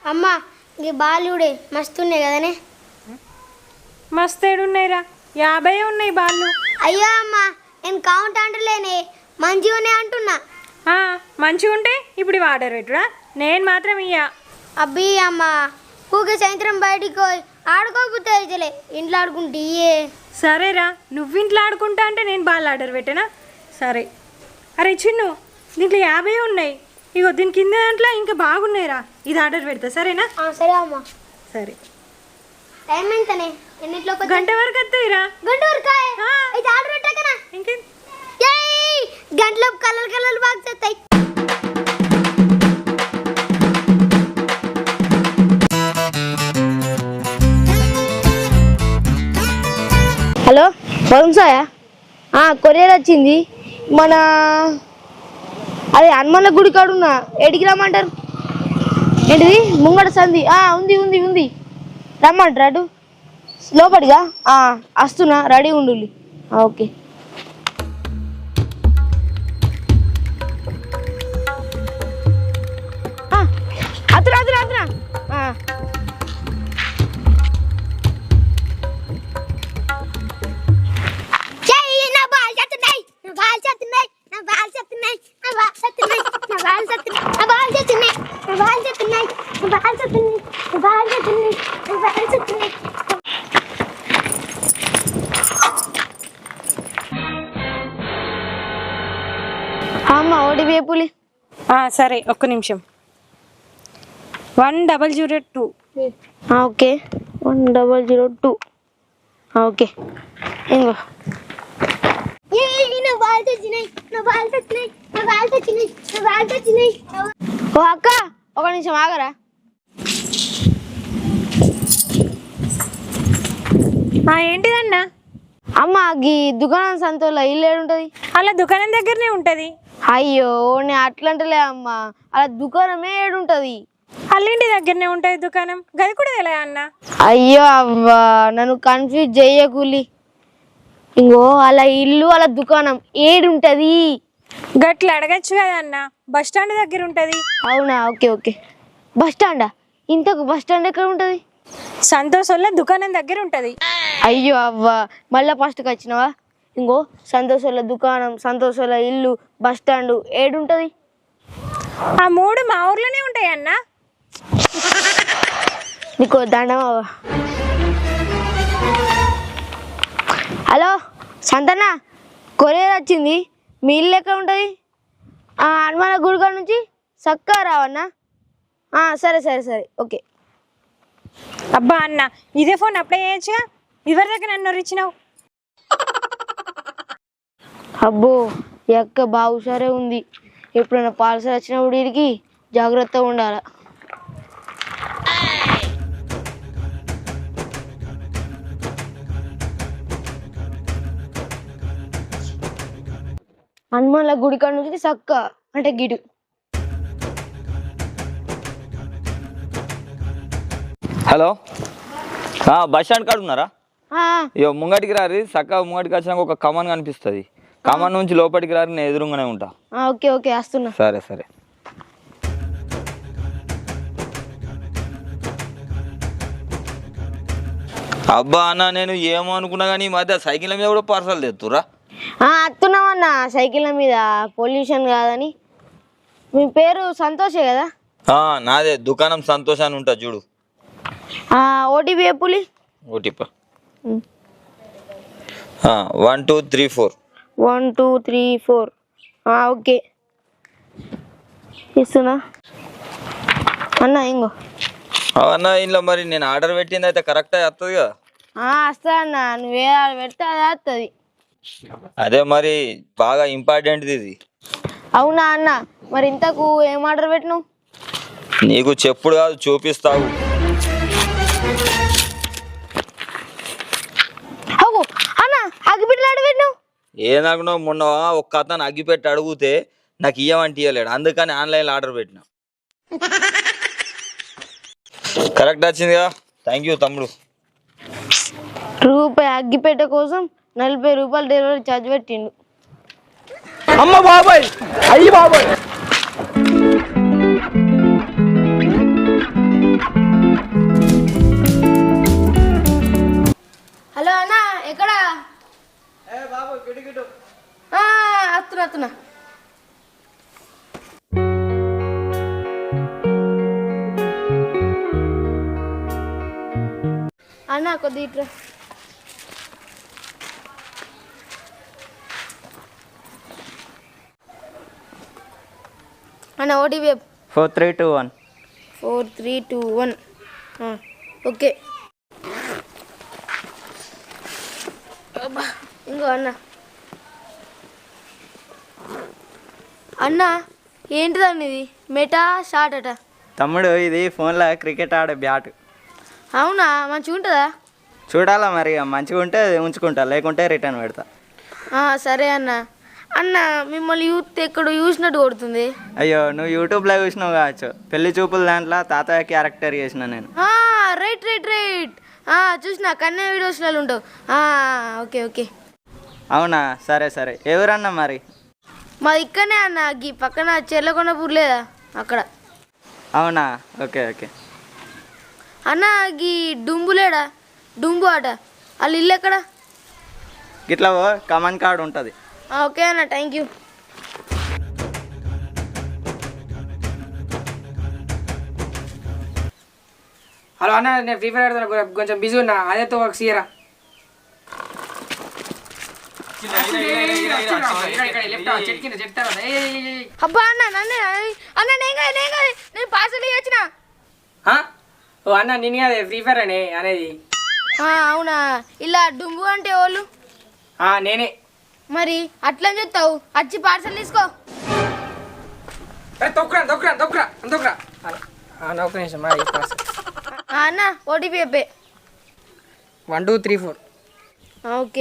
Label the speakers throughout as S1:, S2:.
S1: అమ్మా ఈ బాలుడే మస్తున్నాయి కదనే.
S2: మస్తు ఏడున్నాయిరా, 50 ఉన్నాయి బాళ్ళు.
S1: అయ్యో అమ్మా నేను కౌంట్ అంటలేనే, మంచిగానే అంటున్నా.
S2: మంచిగా ఉంటే ఇప్పుడు ఆర్డర్ పెట్టురా, నేను మాత్రం ఇయ్యా.
S1: అబ్బీ అమ్మా ఊకే సాయంత్రం బయటికి పోయి ఆడుకోకపోతే అయితేలే, ఇంట్లో ఆడుకుంటే
S2: సరేరా, నువ్వు ఇంట్లో ఆడుకుంటా అంటే నేను బాల్ ఆర్డర్ పెట్టానా? సరే. అరే చిన్ను, దీంట్లో 50 ఉన్నాయి. ఇగో దీని కింద దాంట్లో ఇంకా బాగున్నాయిరా, ఇది ఆర్డర్ పెడతా సరేనా?
S1: సరే అమ్మా.
S2: సరే.
S1: టైం ఎంతనే? ఎన్నిట్లో?
S2: గంట వరకు వస్తాయిరా.
S1: గంట వరకు అయితే ఆర్డర్ పెట్టాకనా?
S2: ఇంకేం
S1: గంటలో కలర్ కలర్ బాక్స్ వస్తాయి. హలో వరుణ్ సాయా, కొరియర్ వచ్చింది. మన అదే హనుమాన్ల గుడి కాడున్నా, ఎడికి రమ్మంటారు? ఏంటిది ముంగడ సంధి? ఉంది ఉంది ఉంది, రమ్మంటారు అటు లోపలిగా. వస్తున్నా, రెడీ ఉండు. ఓకే. అతురా అతురా అతురా. అమ్మా ఓడిపి పులి.
S2: సరే, ఒక్క నిమిషం. 1002.
S1: ఓకే 1002. ఓకే ఇంకో ఓ అక్క ఒక నిమిషం ఆగరా.
S2: ఏంటిదన్నా?
S1: అమ్మ ఈ దుకాణం సంతలో ఇల్లు ఏడుంటది?
S2: అలా దుకాణం దగ్గరనే ఉంటది.
S1: అయ్యో నేను అట్లంటలే అమ్మ, అలా దుకాణమే ఏడుంటది?
S2: అల్లింటి దగ్గరనే ఉంటది దుకాణం, గది కూడా తెలియదా అన్న?
S1: అయ్యో అవ్వా నన్ను కన్ఫ్యూజ్ చెయ్యకూలి. ఇంకో అలా ఇల్లు అలా దుకాణం ఏడుంటది?
S2: గట్ల అడగచ్చు కదా అన్న, బస్ స్టాండ్ దగ్గర ఉంటది.
S1: అవునా? Okay okay. బస్ స్టాండా? ఇంతకు బస్ స్టాండ్ ఎక్కడ ఉంటది?
S2: సంతోషంలో దుకాణం దగ్గర ఉంటది.
S1: అయ్యో అవ్వా మళ్ళా ఫస్ట్కి వచ్చినావా? ఇంకో సంతోషంలో దుకాణం, సంతోషంలో ఇల్లు, బస్ స్టాండ్ ఏడుంటది?
S2: ఆ 3 మా ఊర్లోనే ఉంటాయి అన్న.
S1: నీకు దండం. హలో సంతన్న, కొరియర్ వచ్చింది. మీ ఇల్లు ఎక్కడ ఉంటుంది? హనుమాన గుడికాడ నుంచి చక్కగా రావన్నా. సరే సరే సరే ఓకే.
S2: అబ్బా అన్న, ఇదే ఫోన్ అప్లై చేయొచ్చుగా, ఎవరి దగ్గర నన్ను ఇచ్చినావు?
S1: అబ్బో ఎక్క బాగా హుషారే ఉంది. ఎప్పుడైనా పాలసీ వచ్చినప్పుడు వీడికి జాగ్రత్తగా ఉండాలి. హనుమాన్ల గుడి కాడ నుంచి చక్క అంటే గిడు.
S3: హలో, బస్ స్టాండ్ కాడ ఉన్నారా? ఇక ముంగటికి రారి, చక్కగా ముంగటికి వచ్చినాక ఒక కమాన్ కనిపిస్తుంది. కమాన్ నుంచి లోపలికి రారి, నేను ఎదురుగానే ఉంటా.
S1: ఓకే ఓకే వస్తున్నా.
S3: సరే సరే. అబ్బా అన్న, నేను ఏమో అనుకున్నా కానీ ఈ మధ్య సైకిల్ మీద కూడా పార్సల్ తెస్తురా?
S1: వస్తున్నామన్నా సైకిళ్ళ మీద, పొల్యూషన్ కాదని. మీ పేరు సంతోషే కదా?
S3: నాదే, దుకాణం సంతోషాన్ని ఉంటా చూడు.
S1: ఓటీపీ ఎప్పులి?
S3: ఓటీపీ 1234.
S1: 1234. ఓకే ఇస్తున్నా అన్న. ఇంకో
S3: అన్న, ఇంట్లో మరి నేను ఆర్డర్ పెట్టింది అయితే కరెక్ట్గా వస్తుంది కదా?
S1: వస్తా అన్న, నువ్వే పెడితే అది వస్తుంది.
S3: అదే మరి బాగా ఇంపార్టెంట్ది ఇది.
S1: అవునా అన్న, మరి ఇంతకు ఏం ఆర్డర్ పెట్టినావు?
S3: నీకు చెప్పుడు కాదు, చూపిస్తావు.
S1: అన్న అగ్గిపెట్టెలు ఆర్డర్ పెట్టినావు?
S3: ఏనాకునో మొన్న ఒక్క అతను అగ్గిపెట్టి అడిగితే నాకు ఇయ్యమంటే ఇయ్యలేడు, అందుకని ఆన్లైన్లో ఆర్డర్ పెట్టినా. కరెక్ట్ వచ్చిందిగా, థ్యాంక్ యూ తమ్ముడు.
S1: రూపాయి అగ్గిపెట్టె కోసం 40 రూపాయలు డెలివరీ ఛార్జ్ పెట్టిండు.
S4: అమ్మ బాబాయ్, అయ్యి బాబాయ్.
S1: అన్న కొద్ది ఇట్లా అన్న ఓటీపీ
S5: 4321.
S1: 4321 ఓకే అబ్బా, ఇంకో అన్న అన్న ఏంటిదండి ఇది మెటా షార్ట్ అట
S5: తమ్ముడు ఇది ఫోన్లో క్రికెట్ ఆడే బ్యాట్.
S1: అవునా మంచిగా ఉంటుందా
S5: చూడాలా మరి, మంచిగా ఉంటే ఉంచుకుంటా, లేకుంటే రిటర్న్ పెడతా.
S1: సరే అన్న అన్న మిమ్మల్ని యూత్ ఎక్కడ చూసినట్టు కొడుతుంది
S5: అయ్యో, నువ్వు యూట్యూబ్లో చూసినావు కావచ్చు, పెళ్లి చూపుల దాంట్లో తాతయ్య క్యారెక్టర్ చేసిన నేను.
S1: రైట్ రైట్ రైట్ చూసిన కన్యా వీడియోస్లలో ఉంటావు ఓకే ఓకే
S5: అవునా, సరే సరే. ఎవరన్నా మరి?
S1: మాది ఇక్కడనే అన్న గీ పక్కన చెర్లకొండపూర్ లేదా అక్కడ.
S5: అవునా, ఓకే ఓకే.
S1: అన్న గీ డుంబులేడా డుంబు ఆట వాళ్ళ ఇల్లు ఎక్కడ?
S5: గిట్లా కమాన్ కార్డ్ ఉంటుంది.
S1: ఓకే అన్న థ్యాంక్ యూ.
S4: హలో అన్న, నేను ఫ్రీ ఫైర్ ఆడుతున్నా, కొంచెం బిజీ ఉన్నా, అదేతో ఒక సీరా.
S1: అబ్బా అన్న నన్నే అన్న నేను పార్సల్ ఇవ్వచ్చిన.
S4: ఓ అన్న, నేను అదే ఫ్రీ ఫైర్ అనేది.
S1: అవునా, ఇలా డుంబు అంటే వాళ్ళు
S4: నేనే.
S1: మరి అట్లా చెప్తావు వచ్చి పార్సల్ తీసుకో.
S4: తొక్కురా తొక్కురా తొక్కురా తొక్కురా. ఒక నిమిషం,
S1: అన్న ఓటీపీ చెప్పే.
S4: 1 2 3 4.
S1: ఓకే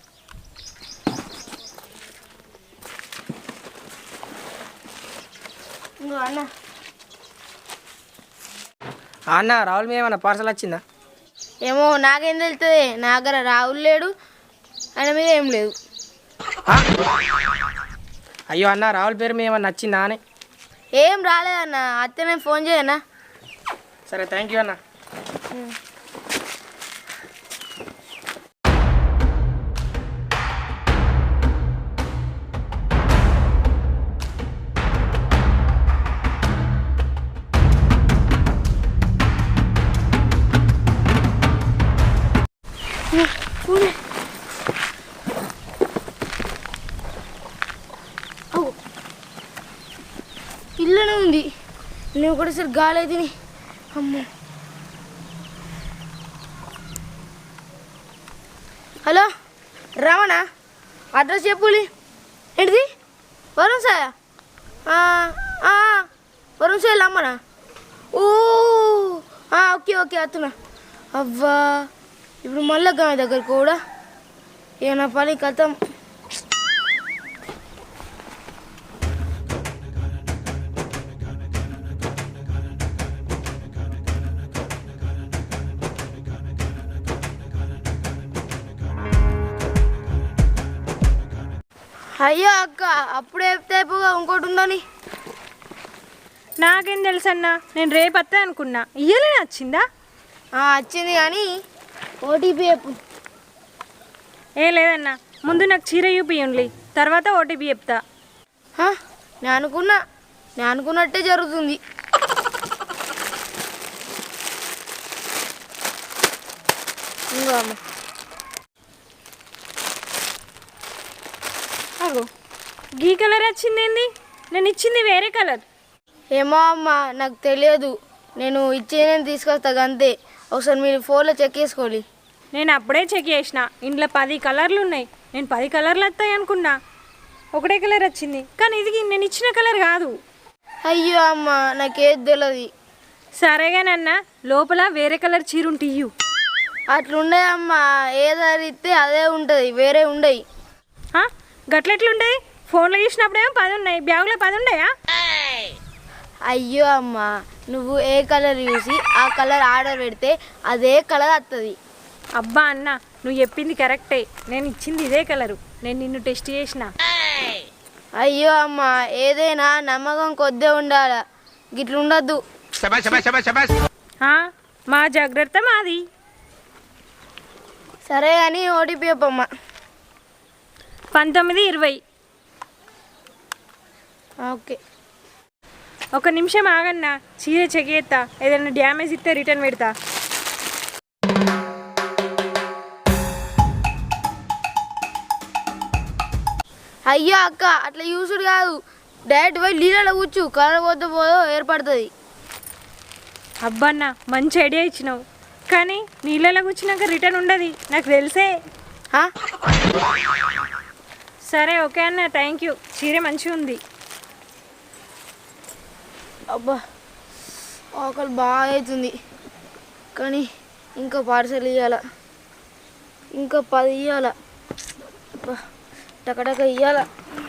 S1: అన్న
S4: అన్న, రాహుల్ మీద ఏమన్నా పార్సల్ వచ్చిందా?
S1: ఏమో నాకేం తెలుస్తుంది, నా దగ్గర రాహుల్ లేడు, ఆయన మీద ఏం లేదు.
S4: అయ్యో అన్న, రాహుల్ పేరు మీద ఏమన్నా వచ్చిందా అని.
S1: ఏం రాలేదన్న, అత్తే నేను ఫోన్ చేయనా?
S4: సరే, థ్యాంక్ యూ అన్న.
S1: ఇల్లునే ఉంది, నేను ఒకటేసారి గాలి అయితే అమ్మో. హలో రమణ, అడ్రస్ చెప్పులి. ఏంటిది వరుణ్ సాయా? వరుణ్ సాయలు అమ్మనా? ఓకే ఓకే అత్తున్నా. అవ్వా ఇప్పుడు మళ్ళీ గాయ దగ్గర కూడా ఏమన్నా పని కథం. అయ్యో అక్క, అప్పుడే చెప్తే అయిపోగా ఇంకోటి ఉందని.
S2: నాకేం తెలుసు అన్న, నేను రేపు వస్తా అనుకున్నా, ఇయ్యలేని వచ్చిందా?
S1: వచ్చింది కానీ ఓటీపీ చెప్పు.
S2: ఏ లేదన్నా, ముందు నాకు చీర చూపియండి, తర్వాత ఓటీపీ చెప్తా.
S1: నేను అనుకున్నట్టే జరుగుతుంది. ఇంకో అమ్మ
S2: అగో, గీ కలర్ వచ్చిందేంది? నేను ఇచ్చింది వేరే కలర్.
S1: ఏమో అమ్మ నాకు తెలియదు, నేను ఇచ్చేదని తీసుకొస్తా అంతే. ఒకసారి మీరు ఫోన్లో చెక్ చేసుకోండి.
S2: నేను అప్పుడే చెక్ చేసిన, ఇంట్లో 10 కలర్లు ఉన్నాయి, నేను 10 కలర్లు వస్తాయి అనుకున్నా, ఒకటే కలర్ వచ్చింది, కానీ ఇది నేను ఇచ్చిన కలర్ కాదు.
S1: అయ్యో అమ్మ నాకేది తెలియదు.
S2: సరేగానన్నా, లోపల వేరే కలర్ చీర ఉంటే ఇయ్యు.
S1: అట్లుండే అమ్మ, ఏదైతే అదే ఉంటుంది, వేరే ఉండయి.
S2: గట్లెట్లుంటుంది? ఫోన్లో చూసినప్పుడేమో 10 ఉన్నాయి, బ్యాగులో 10 ఉన్నాయా?
S1: అయ్యో అమ్మ, నువ్వు ఏ కలర్ చూసి ఆ కలర్ ఆర్డర్ పెడితే అదే కలర్ వస్తుంది.
S2: అబ్బా అన్న, నువ్వు చెప్పింది కరెక్టే, నేను ఇచ్చింది ఇదే కలరు, నేను నిన్ను టెస్ట్ చేసిన.
S1: అయ్యో అమ్మ, ఏదైనా నమ్మకం కొద్దే ఉండాలి, గిట్లుండద్దు.
S2: మా జాగ్రత్త మాది.
S1: సరే కానీ ఓటీపీ చెప్పమ్మా.
S2: 1920.
S1: ఓకే.
S2: ఒక నిమిషం ఆగన్నా, చీర చెక్ చేస్తా, ఏదైనా డ్యామేజ్ ఇస్తే రిటర్న్ పెడతా.
S1: అయ్యో అక్క అట్లా యూసుడు కాదు, డైరెక్ట్ పోయి నీళ్ళలో కూర్చు, కలర్ పోతే పోదో ఏర్పడుతుంది.
S2: అబ్బన్న మంచి ఐడియా ఇచ్చినావు, కానీ నీళ్ళలో కూర్చున్నాక రిటర్న్ ఉండదు, నాకు తెలిసే.
S1: ఆ?
S2: సరే ఓకే అన్న, థ్యాంక్ యూ. చీర మంచిగా ఉంది.
S1: అబ్బా ఆకలి బాగా అవుతుంది, కానీ ఇంకా పార్సల్ ఇవ్వాల, ఇంకా 10 ఇవ్వాల. అబ్బా టకటక ఇవ్వాల.